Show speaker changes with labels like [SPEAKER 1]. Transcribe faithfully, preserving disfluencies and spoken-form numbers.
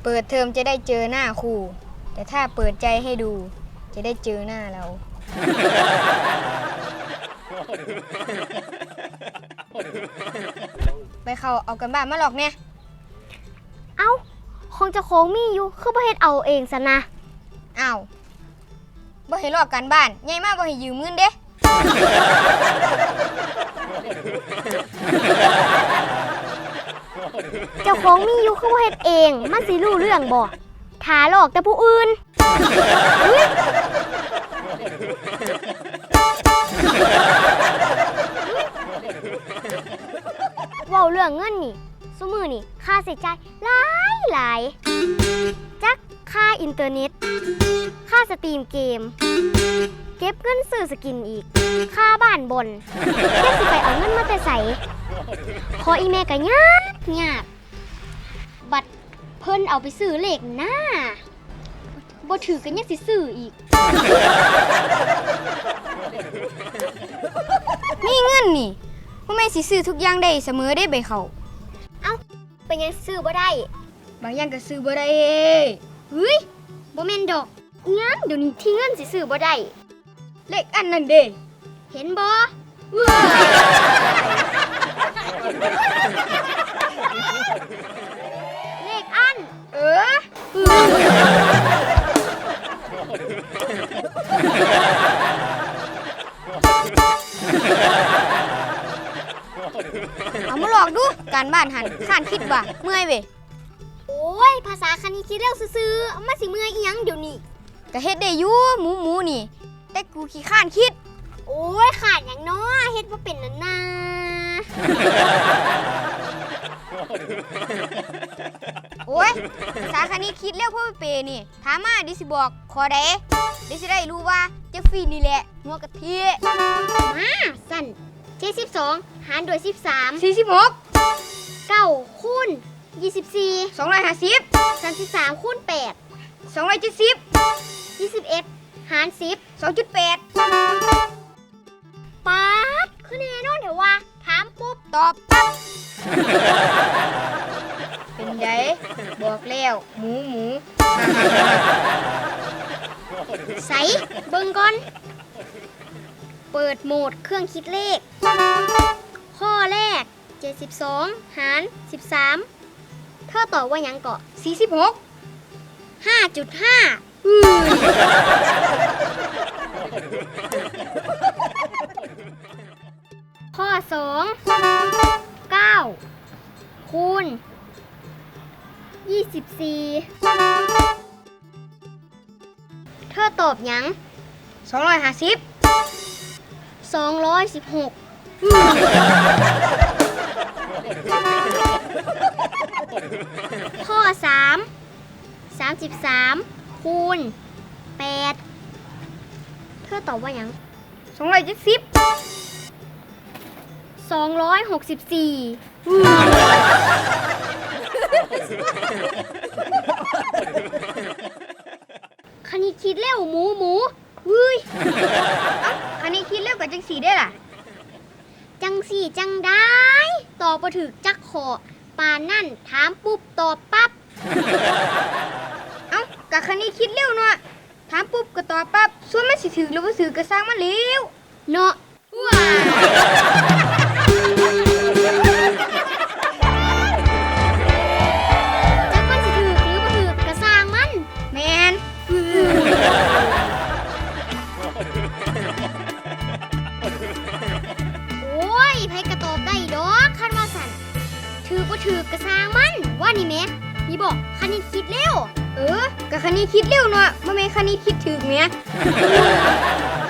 [SPEAKER 1] เปิดเทอมจะได้เจอหน้าครูแต่ถ้าเปิดใจให้ดูจะได้เจอหน้าเรา ไปเขาเอากันบ้านมาหลอกเนี่ย
[SPEAKER 2] เอ้าคงจะโค้งมีอยู่คือบ่เฮ็ดเอาเองซะนะ
[SPEAKER 1] อ้าวบ่ให้ลอกกันบ้านใหญ่มากบ่ให้ยืมเงินเด้
[SPEAKER 2] เจ้าของมีอยู่คือบ่เฮ็ดเองมันสิรู้เรื่องบ่ถ้าหลอกแต่ผู้อื่นเว้าเรื่องเงินนี่ซุมื้อนี่ค่าใช้จ่ายหลายหลายจักค่าอินเทอร์เน็ตค่าสตรีมเกมเก็บเงินซื้อสกินอีกค่าบ้านบนแค่สิไปเอาเงินมาแต่ไสขออีแม่ก็ยากยากบัดเพิ่นเอาไปซื้อเลขหน้าบ่ถือก็ยังสิซื้ออีก
[SPEAKER 1] มีเงินนี่บ่แม่นสิซื้อทุกอย่างได้เสมอได้ใบเขา
[SPEAKER 2] เอ้าเป็นยังซื้อบ่ได้
[SPEAKER 1] บางอย่างก็ซื้อบ่ได้
[SPEAKER 2] เฮ้ยบ่แม่นดอกงั้นเดี๋ยวนี้ที่เงินสิซื้อบ่ได้
[SPEAKER 1] เลขอันนั้นเด้
[SPEAKER 2] เห็นบ่เลขอัน
[SPEAKER 1] เออเอามาหลอกดูการบ้านหันข้านคิดว่าเมื่อยเว้ย
[SPEAKER 2] โอ้ยภาษาคณิตคิดเร็วซื่อๆมาสิเมื่อยอีหยังเดี๋ยวนี้
[SPEAKER 1] ก็เฮ็ดได้อยู่หมูหมูนี่แต่กูขี้ข้านคิด
[SPEAKER 2] โอ้ยขาดหยังน้อเฮ็ดบ่เป็นนั่นน่ะ
[SPEAKER 1] โอ้ยภาษาคณิตคิดเร็วเพราะเปนี่ถามมาดิสิบอกขอใดดิสิได้รู้ว่าเจฟฟี่นี่แหละหัวกะทิ
[SPEAKER 2] มาสั่นเจ็ดสิบสองหารด้วยสิบสาม
[SPEAKER 1] สี่สิบหก
[SPEAKER 2] เก้าคูณยี่สิบสี่
[SPEAKER 1] สองร้อยห้าสิบ
[SPEAKER 2] สามสิบสามคูณแปด
[SPEAKER 1] สองร้อยเจ็ดสิบ
[SPEAKER 2] ยี่สิบเอ็ดหารสิบ
[SPEAKER 1] สองจุดแปด
[SPEAKER 2] ป๊าดคือแน่นอนเถอะว่าถามปุ๊บ
[SPEAKER 1] ตอบปั๊บเป็นไงบอกแล้วหมูหมู
[SPEAKER 2] ใส่เบิ่งก่อนเปิดโหมดเครื่องคิดเลขข้อแรกเจ็ดสิบสองหารสิบสามเธอตอบว่าหยังเกาะ
[SPEAKER 1] สี่สิบหก
[SPEAKER 2] ห้าจุดห้า อือข้อสองเก้าคูณยี่สิบสี่เธอตอบหยัง
[SPEAKER 1] สองร้อยห้าสิบ
[SPEAKER 2] สองร้อยสิบหกข้อสาม สามสิบสามคูณแปดเธอตอบว่าหยัง
[SPEAKER 1] สองร้อยเจ็ดสิบ
[SPEAKER 2] สองร้อยหกสิบสี่คณิตคิดเร็วหมูหมูเฮ้ย
[SPEAKER 1] คณิตคิดเร็วกับจังสีได้ล่ะ
[SPEAKER 2] จังสี่จังได้ตอบบ่ถูกจักขอปานนั่นถามปุ๊บตอบปั๊บ
[SPEAKER 1] เอ้ากับคณิตคิดเร็วเนาะถามปุ๊บก็ตอบปั๊บส่วนมันสิถึกหรือบ่ถึกก็สร้างมันเร็ว
[SPEAKER 2] เนาะว้าจักมันสิถึกหรือบ่ถึกก็สร้างมัน
[SPEAKER 1] แม่น
[SPEAKER 2] โอ้ยไผก็ตอบได้ดอกคันว่าสั่นถือบ่ถือกระสร้างมันว่านี่แม่นี่บอกคณิตคิดเร็ว
[SPEAKER 1] เออกับคณิตคิดเร็วเนาะบ่แม่นคณิตคิดถึกแม่